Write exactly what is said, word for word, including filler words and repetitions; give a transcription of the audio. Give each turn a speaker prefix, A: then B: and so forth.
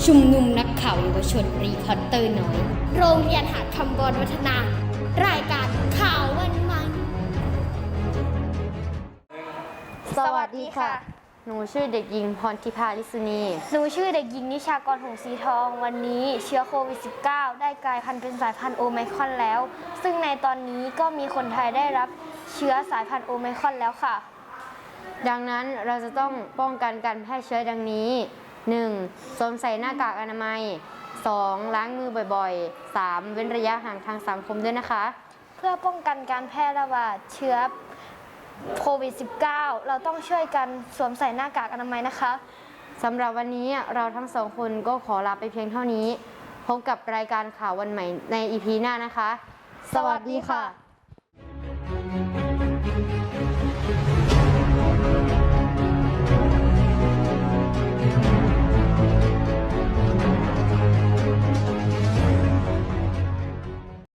A: ชุมนุมนักข่าวเยาวชนรีพอร์เตอร์น้อยโรงเรียนหาดคำบอลวัฒนา รายการข่าววันใหม่
B: สวัสดีค่ะ หนูชื่อเด็กหญิงพรทิพาลิสุนีหนูชื่อเด็กหญิงนิชากรหงสีทอง วันนี้เชื้อโควิด สิบเก้า ได้กลายพันธุ์เป็นสายพันธุ์โอไมครอนแล้ว ซึ่งในตอนนี้ก็มีคนไทยได้รับเชื้อสายพันธุ์โอไมครอนแล้วค่ะ ดังนั้นเราจะต้องป้องกันการแพร่เชื้อดังนี้ หนึ่ง สวมใส่หน้ากากอนามัย สอง ล้างมือบ่อยๆ สาม เว้นระยะห่างทางสังคมด้วยนะคะ เพื่อป้องกันการแพร่ระบาดเชื้อโควิด สิบเก้า เราต้องช่วยกันสวมใส่หน้ากากอนามัยนะคะสำหรับวันนี้เราทั้งสองคนก็ขอลาไปเพียงเท่านี้ พบกับรายการข่าววันใหม่ใน อี พี หน้านะคะ สวัสดีค่ะ